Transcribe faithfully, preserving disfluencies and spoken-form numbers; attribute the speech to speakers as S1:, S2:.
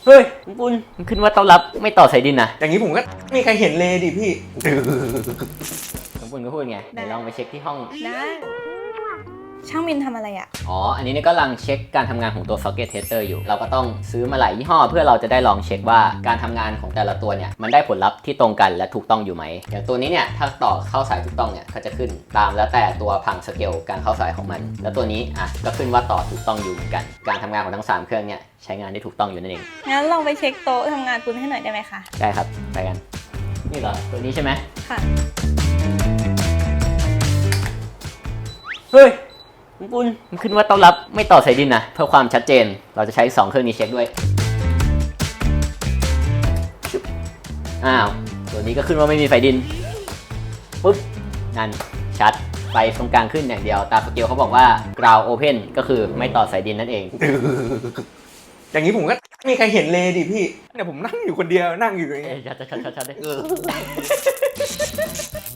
S1: เฮ้ยคุณมันขึ้นว่าต้อนรับไม่ต่อสายดินนะ
S2: อย่างนี้ผมก็มีใครเห็นเลยดิพี่
S1: คุณก็พูดไงเดี๋ยวลองไปเช็คที่ห้อง
S3: ได้ช่างมินทำอะไรอ่ะ
S1: อ๋อ อันนี้เนี่ยก็กำลังเช็คการทำงานของตัว Socket Tester อยู่ เราก็ต้องซื้อมาหลายยี่ห้อเพื่อเราจะได้ลองเช็คว่าการทำงานของแต่ละตัวเนี่ยมันได้ผลลัพธ์ที่ตรงกันและถูกต้องอยู่ไหม อย่างตัวนี้เนี่ยถ้าต่อเข้าสายถูกต้องเนี่ยก็จะขึ้นตามแล้วแต่ตัวพังสเกลการเข้าสายของมัน แล้วตัวนี้อ่ะก็ขึ้นว่าต่อถูกต้องอยู่เหมือนกัน การทำงานของทั้งสามเครื่องเนี่ยใช้งานได้ถูกต้องอยู่นั่นเอง
S3: งั้นลองไปเช็คโต๊ะทำงานคุณให้หน่อยได้ไหมคะ
S1: ได้ครับ ไปกัน นี่เหรอ ตัวนี้ใช่ไหม
S3: ค่ะ
S1: เฮ้ยคุณมันขึ้นว่าต้อนรับไม่ต่อสายดินนะเพื่อความชัดเจนเราจะใช้สองเครื่องนี้เช็คด้วยชุบอ้าวตัวนี้ก็ขึ้นว่าไม่มีไฟดินปุ๊บนั่นชัดไฟตรงกลางขึ้นอย่างเดียวตามสเกลเขาบอกว่า ground open ก็คือไม่ต่อสายดินนั่นเอง
S2: อย่างนี้ผมก็มีใครเห็นเลยดิพี่เนี่ยผมนั่งอยู่คนเดียวนั่งอยู่อย่าง
S1: เอ้
S2: เงี้
S1: ย
S2: ย
S1: ชัดชัดชัดชัดเลย